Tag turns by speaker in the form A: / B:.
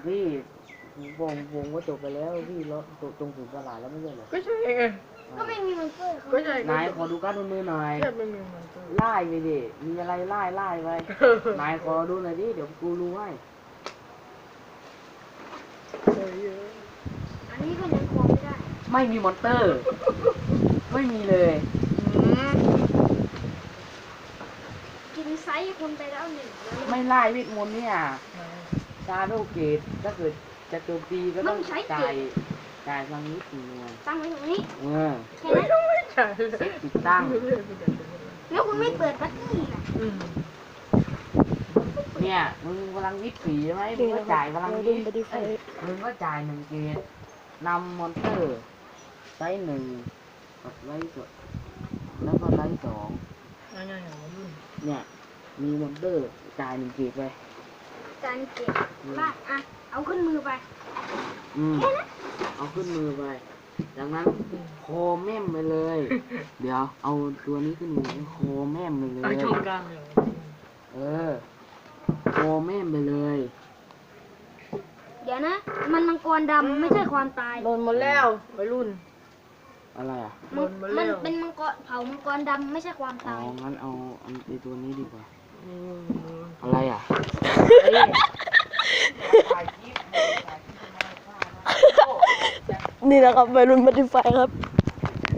A: พี่วงก็จบไปแล้วพี่รถตรงถึงตลาดแล้วไม่ใช่เหรอ
B: ก็ใช่ไง
C: ก็ไม่มีมันเกิด
B: ก็ใช่
A: นายขอดูการ์ดบนมือหน่อย
B: แค่ไม่มีมันก็
A: ไล่ไปดิมีอะไรไล่ไปนายขอดูหน่อยดิเดี๋ยวกูรู้ให้
C: อันนี้ก็ยังควงไม่ได้
A: ไม่มีมอนเตอร์ ไม่มีเลย
C: กินไซส์คนไปแล้วหนึ่งแล้ว
A: ไม่ไล่เวทมนต์เนี่ยชาโดเกตถ้าเกิดจะโจมตีก็ต้องจ่ายฟังนิดหนึ่ง
C: ตั้งไว้ตรงนี้
A: เออ
C: แค่นั้น
B: ไม่ใช่เลย
A: ติดตั้ง
C: แล้วคุณไม่เปิดปัตตี้นะ
A: เนี่ยมึงพลังวิทย์ผีใช่ไหมมึงก็จ่ายพลังวิทย์มึงก็จ่าย1 เกตนำมอนเตอร์ไซส์1กับไซส์2แล้วก็ไซส์2เนี่ยมีมอนเตอร์จ่าย1 เกตไป
C: การเก็บบ้านอ่ะเอาขึ้นมือไป
A: เอาขึ้นมือไปจากนั้นโคแม่มไปเลย เดี๋ยวเอาตัวนี้ขึ้นมือโคแม่มไปเลย
B: เอาช่องกลางเลย
A: เออโคแม่มไปเลย
C: เดี๋ยวนะ มันมังกรดำไม่ใช่ความตาย
B: โดนหมดแล้ววัยรุ่น
A: อะไรอ่ะ
C: มันเป็นมังกรเผามังกรดำไม่ใช่ความ
A: อ๋อ
C: ตาย
A: งั้นเอาไอตัวนี้ดีกว่า อะไรอ่ะ
D: นี่แหละครับวัยรุ่นบัตติไฟครับ